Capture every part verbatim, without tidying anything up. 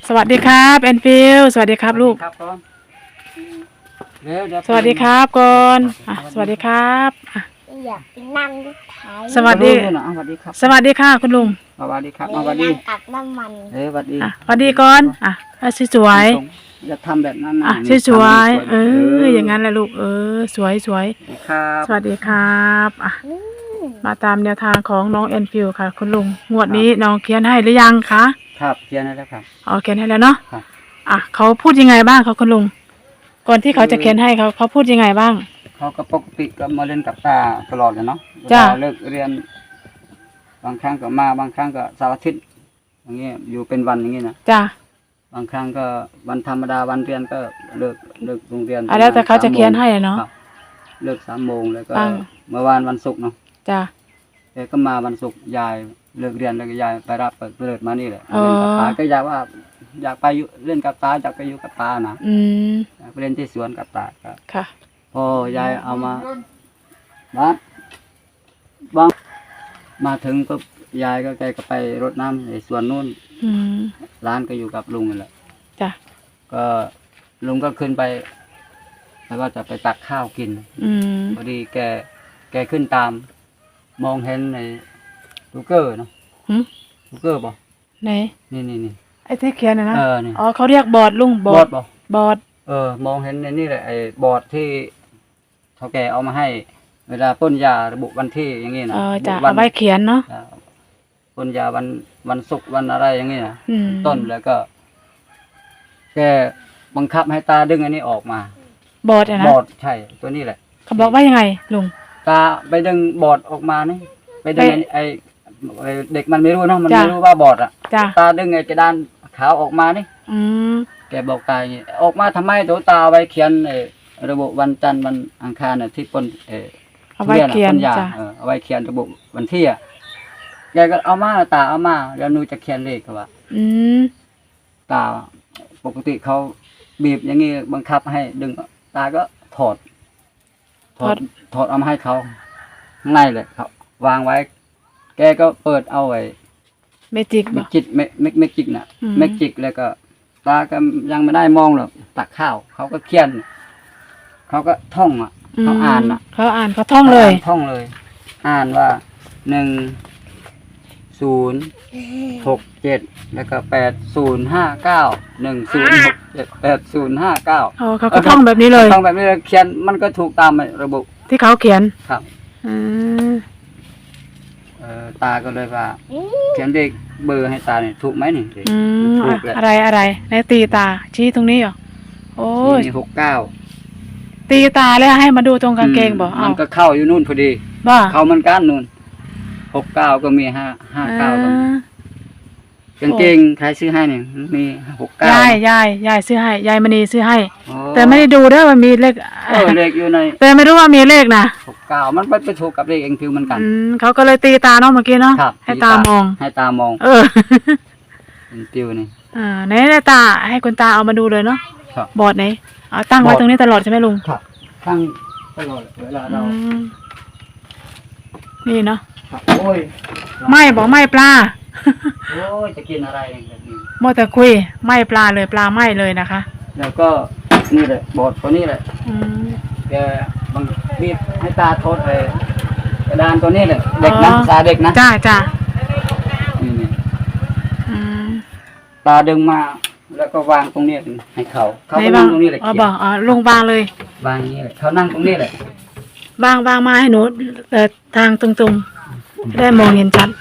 สวัสดีครับแอนฟิลสวัสดีครับลูกครับก่อนเดี๋ยวเดี๋ยวสวัสดีครับก่อนอ่ะสวัสดีครับอ่ะอยากนั่งรถไถสวัสดีสวัสดีครับสวัสดีค่ะคุณลุงสวัสดีครับเลยสวัสดีนั่งตักน้ำมันเอ้ยสวัสดีอ่ะสวัสดีก่อนอ่ะอ่ะสวยจะทำแบบนั้นนะๆอ่ะสวยๆเอออย่างนั้นแหละลูกเออสวยสวยครับสวัสดีครับอ่ะอืมมาตามแนวทางของน้องแอนฟิลค่ะคุณลุงงวดนี้น้องเขียนให้หรือยังคะครับเขียนให้แล้วครับอ๋อเขียนให้แล้วเนาะครับอ่ะเขาพูดยังไงบ้างคะคุณลุงก่อนที่เขาจะเขียนให้เขาเขาพูดยังไงบ้างเขาก็ปกติก็มาเล่นกับตาตลอดเลยเนาะจ้ะเวลาเลิกเรียน บางครั้งก็มาบางครั้งก็เสาร์อาทิตย์อย่างเงี้ยอยู่เป็นวันอย่างเงี้ยนะจ้ะบางครั้งก็วันธรรมดาวันเรียนก็เลิกเลิกโรงเรียนอ่ะแล้วแต่เขาจะเขียนให้อะเนาะครับเลิกสามโมงแล้วก็ตั้งเมื่อวานวันศุกร์เนาะจ้ะแกก็มาวันศุกร์ยายเลิกเรียนแล้วก็ยายไปรับเปิดเปิดมานี่แหละอ๋อเล่นกับตาก็อยากว่า อยากไปอยู่เล่นกับตาอยากไปอยู่กับตานะอืมอยากไปเล่นที่สวนกับตาครับค่ะพอยายเอามาบ้านบ้างมาถึงก็ยายก็แกก็ไปรดน้ำในสวนนู่นอืมร้านก็อยู่กับลุงนั่นแหละจ้ะก็ลุงก็ขึ้นไปแล้วก็จะไปตักข้าวกินอืมพอดีแกแกขึ้นตาม มองเห็นในลูกเกอร์เนาะหึลูกเกอร์ป่ะไหนนี่นี่นี่ไอ้ที่เขียนนะนะเออนี่อ๋อเขาเรียกบอร์ดลุงบบ ออร์ดดป่ะบอร์ดเออ มองเห็นในนี่แหละไอ้บอร์ดที่เขาแกเอามาให้ เวลาป้นยาระบุวันที่อย่างงี้นะเออจะวัเอาไว้เขียนเนาะอ่าป้นยาวันวันศุกร์วันอะไรอย่างงี้นะอืมต้นแล้วก็ แกบังคับให้ตาดึงอันนี้ออกมาบอร์ดอะนะบอร์ดใช่ตัวนี้แหละเขาบอกว่ายังไงลุงตาไปดึงบอร์ดออกมานี่ไปดึงไปไอ้ไอ้เด็กมันไม่รู้เนาะมันจ้ะไม่รู้ว่าบอร์ดอ่ะจ้ะตาดึงไอ้กระดานขาวออกมานี่อืมแกบอกตาอย่างงี้ออกมาทำไมตัวตาเอาไว้เขียนไอ้ระบุวันจันทร์วันอังคารน่ะที่ปนเออเอาไว้เขียนทุรีอะจ้ะเออเอาไว้เขียนระบุวันที่อ่ะแกก็เอามาตาเอามาแล้วหนูจะเขียนเลขเขาว่าอืมตาปกติเขาบีบอย่างงี้บังคับให้ดึงตาก็ถอด ถอดถอดเอามาให้เขาข้างในเลยครับวางไว้ แกก็เปิดเอาไว้เมจิกเมบ่กจิกเมกเมกเมกจิกน่ะอืมเมกจิกแล้วก็ ตาก็ยังไม่ได้มองหรอกตักข้าว เขาก็เขียน เขาก็ท่องอ่ะ เขาอ่านอ่ะเขาอ่านเขาท่องเลยขาานท่องเลย อ่านว่าหนึ่งศูนย์หกเจ็ดแล้วก็แปดศูนย์ห้าเก้าหนึ่งศูนย์หกเจ็ดแปดศูนย์ห้าเก้าอ๋อเขาก็ท่องแบบนี้เลยท่องแบบนี้เลยเขียนมันก็ถูกตามระบุที่เขาเขียนครับอืมเอ่อตาก็เลยว่า เขียนเลขเบอร์ให้ตาเนี่ยถูกไหมนี่อืมถูอะกแหละอะไรอะไรในตีตา ชี้ตรงนี้เหรอโอ้ยนี่หกเก้าตีตาแล้วให้มาดูตรงกางเกงบอกมัเอานก็เข้าอยู่นู่นพอดีบ้าเข้ามันก้านนู่นหกเก้าก็มีห้าห้าเก้าก็มีอ่ากางเกงใครซื้อให้เนี่ยมีหกเก้ายายยายยายซื้อให้ยายมณีซื้อให้โอ้แต่ไม่ได้ดูด้วยว่ามีเลขเออเลขอยู่ในแต่ไม่รู้ว่ามีเลขนะหกเก้ามันไปไปถูกกับเลขเองฟิวเหมือนกันอืมเขาก็เลยตีตาเนาะเมื่อกี้เนาะครับให้ตามองให้ตามองเออเป็นฟิวนี่อ่าไหนไหนตาให้คุณตาเอามาดูเลยเนาะครับบอร์ดไหนเอาตั้งไว้บอร์ดตรงนี้ตลอดใช่ไหมลุงครับทั้งตลอดเวลาอืเรามนี่เนาะครับโอ้ยไม่บอกไม่ปลาโอ้ยจะกินอะไรเนี่ยแบบนี้มัวแต่คุยไม่ปลาเลยปลาไม่เลยนะคะแล้วก็นี่แหละบอดตัวนี้แหละอืมแกบังบีบให้ตาโทษไอ้กระดานตัวนี้แหละเด็กนะอ๋อตาเด็กนะจ้าจ้านี่นี่อืมตาดึงมาแล้วก็วางตรงนี้ให้เขาเขาไหนก็บ้านั่งงตรงนี้แหละอ๋อเขียบอกนอ๋อลุงบางเลยวางอย่างนี้แหละเขานั่งตรงนี้แหละบางบางมาให้หนูเอ่อทางตรงๆได้มองเห็นชัด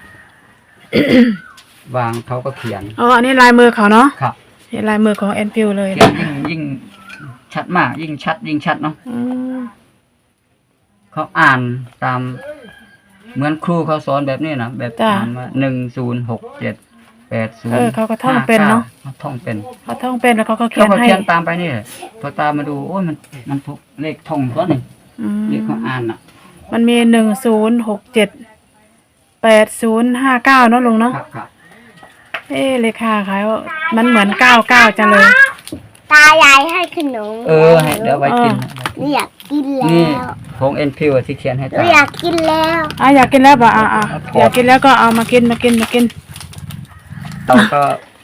วางเขาก็เขียนอ๋ออันนี้ลายมือเขาเนาะครับนี่ลายมือของแอนฟิลเลยเขียนยิ่งยิ่งชัดมาก ยิ่งชัด ยิ่งชัดเนาะอืมเขาอ่านตาม เหมือนครูเขาสอนแบบนี้นะแบบอ่านว่าหนึ่งศูนย์หกเจ็ดแปดศูนย์เออเขาก็ท่องเป็นเนาะท่องเป็นเขาท่องเป็นแล้วเขาก็เขีเขายนก็ให้เขียนตามไปนี่แหละพอตามมาดูโอ้ยมันมันถูกเลขท่องตัวนี่อืมเลขเขาอ่านอ่ะมันมีหนึ่งศูนย์หกเจ็ดแปดศูนย์ห้าเก้าเนาะลุงเนาะครับครับเอ๊ะเลขาขายว่ามันเหมือนเก้าเก้าจังเลยตายายให้ขนมเออให้เดี๋ยวไว้กินหนูอยากกินแล้นี่วของเอ็นพิวที่เขียนให้หนูตาอยากกินแล้วอ่ะอยากกินแล้วป่ะอ่ะอ่ะครับอยากกินแล้วก็เอามากินมากินมากินเราก็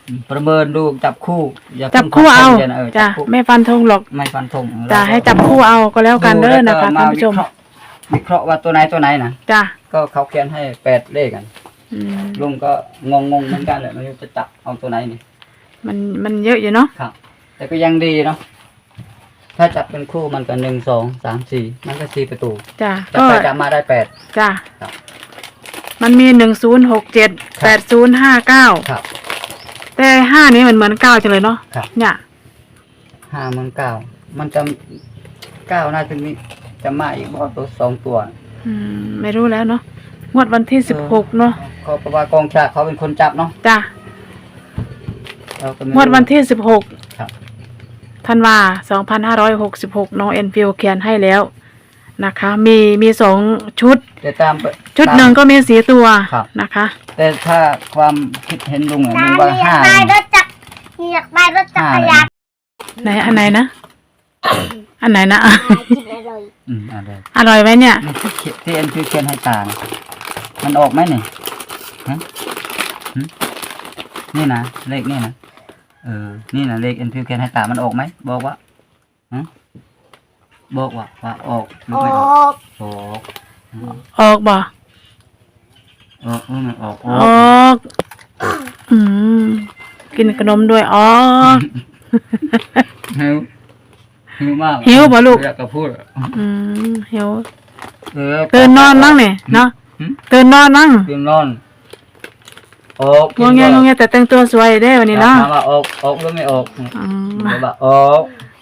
ประเมินดูจับคู่อย่าจับคู่เอาพิ่งฟันธงเออจ้ะจับคู่ไม่ฟันธงหรอกไม่ฟันธงจ้ะให้จับคู่เอาก็แล้วกันเด้อนะคะดูท่านแล้วก็ผู้ชมวิเคราะห์วิเคราะห์ว่าตัวไหนตัวไหนนะจ้ะก็เขาเขียนให้แปดเลขกันอืมลุงก็งงงๆเหมือนกันเลยไม่รู้จะจับเอาตัวไหนนี่มันมันเยอะอยู่เนาะครับ แต่ก็ยังดีเนาะถ้าจับเป็นคู่มันก็หนึ่งสองสามสี่มันก็สี่ประตูจ้ะจับก็ไปจับมาได้แปดจ้ะครับมันมีหนึ่งศูนย์หกเจ็ดแปดศูนย์ห้าเก้าครับแต่ห้านี้มันเหมือนเก้าจังเลยเนาะครับเนี่ยห้ามันเก้ามันจะเก้าน่าจะมีจะมาอีกบ่ตัวสองตัวอืมไม่รู้แล้วเนาะงวดวันที่สิบหกเนาะเขาเพราะว่ากองฉลากเขาเป็นคนจับเนาะจ้ะเราก็ไม่งวดวันที่สิบหกครับธันวาสองพันห้าร้อยหกสิบหกน้องเอ็นฟิวเขียนให้แล้วนะคะ มีมีสองชุดแต่ตามไปชุดตามหนึ่งก็มีสีตัวครับนะคะแต่ถ้าความคิดเห็นลุงเนี่ยตาลุงหนูว่าอยาห้ากได้รถจักรหนูอยากได้รถจักรยานไหนอันไหนนะ อันไหนนะกินอร่อยอืมอะไรอร่อยไหมเนี่ยนี่ที่เขียนที่เอ็นคือเขียนให้ตานะมันออกไหมนี่ฮะหึนี่นะเลขนี่นะเออนี่นะเลขเอ็นคือเขียนให้ตามันออกไหมบอกว่าฮะบอกว่าว่าออกหรือโอ้ไม่ออกออกอืมออกบ่ออกเออมันออกออออก กอืมกินขนมด้วยออกหิวหิวมากหิวบ่ลูกอยากจะพูดอืมหิวเออตื่นนอนบ้างเนี่ยเนาะหึตื่นนอนบ้างตื่นนอนออกงวงเงี้ยงวงเงี้ยแต่แต่งตัวสวยได้วันนี้เนาะถามว่าออกออกหรือไม่ออกอืมบอกว่าออก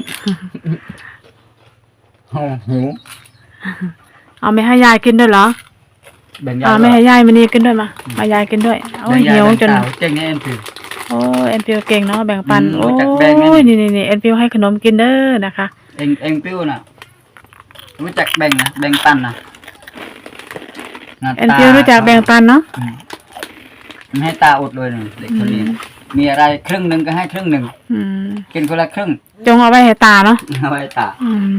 โอ้หิวเอาไม่ให้ยายกินด้วยเหรอแบ่งยาเอาไม่ให้ยายมันนี่กินด้วยมามายายกินด้วยโอ้ยหิวจนเจ๊งเอ็นคือโอ้ยเอ็นฟิวเก่งเนาะแบ่งปันอืมโอ้รู้จักแบ่งไหมยนี่นี่นี่เอ็นฟิวให้ขนมกินเด้อนะคะเอ็งเอ็งปิ้วน่ะรู้จักแบ่งนะแบ่งปันนะหาเอ็นตาฟิวรู้จักแบ่งปันเนาะอืมไม่ให้ตาอดเลยหนึ่งเด็กคนนี้นะมีอะไรครึ่งหนึ่งก็ให้ครึ่งหนึ่งอืมกินคนละครึ่งจงเอาไว้ให้ตาเนาะเอาไว้ตาอืม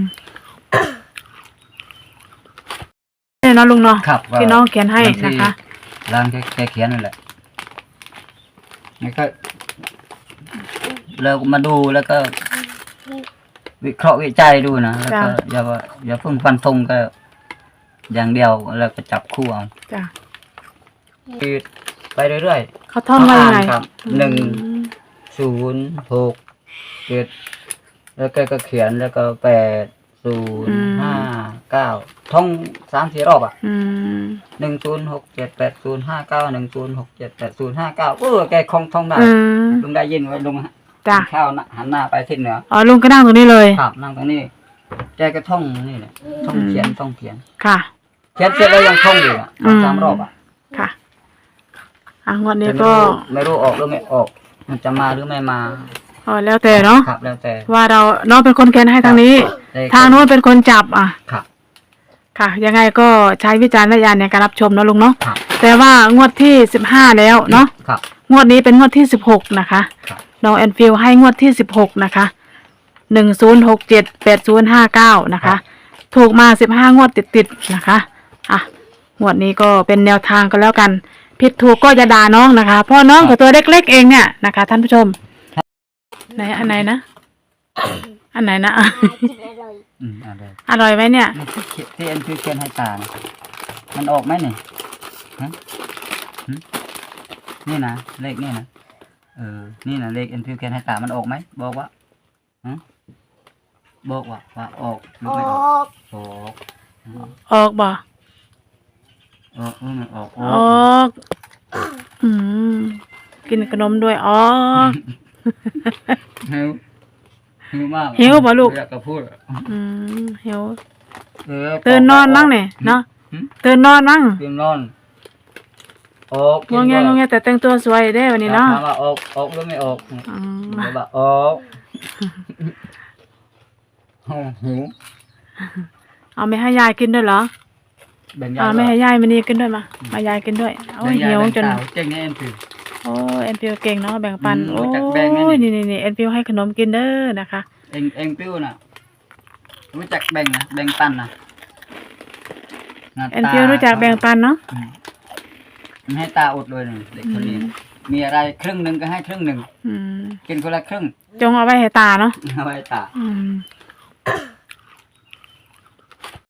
เนี่ยเนาะลุงเนาะครับที่น้องเขียนให้นะคะร่างแกแกเขียนนั่นแหละแล้วก็เรามาดูแล้วก็ วิเคราะห์วิจัยดูนะแล้วก็อย่าว่าอย่าเพิ่งฟันธงก็ อย่างเดียวแล้วก็จับคู่เอาจ้ะคือไปเรื่อยเขาท่องไว้ยังไงครับหนึ่ง ศูนย์หกเจ็ดแล้วก็ก็เขียนแล้วก็แปดศูนย์ห้าเก้าท่องสามสี่รอบอ่ะอืมหนึ่งศูนย์หกเจ็ดแปดศูนย์ห้าเก้าหนึ่งศูนย์หกเจ็ดแปดศูนย์ห้าเก้าเออแกคงท่องได้อืมลุงได้ยินไว้ลุงจ้ะข้าวน่ะหันหน้าไปทิศเหนืออ๋อลุงก็นั่งตรงนี้เลยครับนั่งตรงนี้แกก็ท่องนี่แหละท่องเขียนท่องเขียนค่ะเขียนเสร็จแล้วยังท่องอยู่อ่ะอืมสามรอบอ่ะค่ะอ่ะงวดนี้แต่ไม่ก็รู้ไม่รู้ออกหรือไม่ออก มันจะมาหรือไม่มาอ๋อแล้วแต่เนาะครับแล้วแต่ว่าเราน้องเป็นคนเขียนให้ทางนี้ได้ทางโน้นเป็นคนจับอ่ะครับค่ะ ยังไงก็ใช้วิจารณญาณในการรับชมเนาะลุงเนาะครับแต่ว่างวดที่สิบห้าแล้วเนาะครับงวดนี้เป็นงวดที่สิบหกนะคะครับน้องแอนฟิลให้งวดที่สิบหกนะคะหนึ่งศูนย์หกเจ็ดแปดศูนย์ห้าเก้านะคะ ถูกมาสิบห้างวดติดๆนะคะอ่ะงวดนี้ก็เป็นแนวทางก็แล้วกันผิดถูกก็จะด่าน้องนะคะเพราะน้องกับตัวเล็กๆเองเนี่ยนะคะ ท่านผู้ชมไหนอันไหนนะอันไหนนะกินอร่อยอืมเอะไรอร่อยไหมเนี่ยนี่ที่เขียนที่เอ็นคือเขียนให้ตานะมันออกไหมนี่ฮะหึนี่นะเลขนี่นะเออนี่นะเลขเอ็นคือเขียนให้ตามันออกไหมบอกว่าฮะบอกว่าว่าออกหรือโอ้ไม่ออกออกอืมออกบ่ออกหรือไม่ออกออออก กอืมกินขนมด้วยออกหิวหิวมากหิวบ่ลูกอยากจะพูดอืมหิวเออตื่นนอนบ้างเนี่ยเนาะหึตื่นนอนบ้างตื่นนอนออกงวงเงี้ยงวงเงี้ยแต่แต่งตัวสวยได้วันนี้เนาะถามว่าออกออกหรือไม่ออกอืมบอกว่าออกโอ้หิวเอาไม่ให้ยายกินด้วยเหรอแบ่งยาเอาไม่ให้ยายมันนี่กินด้วยมามายายกินด้วยโอ้ยหิวจนเจ๊งแน่นคือโอ้ยเอ็นฟิวเก่งเนาะแบ่งปันอืมโอ้รู้จักแบ่งไหมยนี่นี่นี่เอ็นฟิวให้ขนมกินเด้อนะคะเองเองปิ้วน่ะรู้จักแบ่งนะแบ่งปันนะหาเอ็นฟิวรู้จักแบ่งปันเนาะอืมไม่ให้ตาอดเลยหนึ่งเด็กคนนี้อืมมีอะไรครึ่งหนึ่งก็ให้ครึ่งหนึ่งอืมกินคนละครึ่งจงเอาไว้ให้ตาเนาะเอาไว้ตาอืม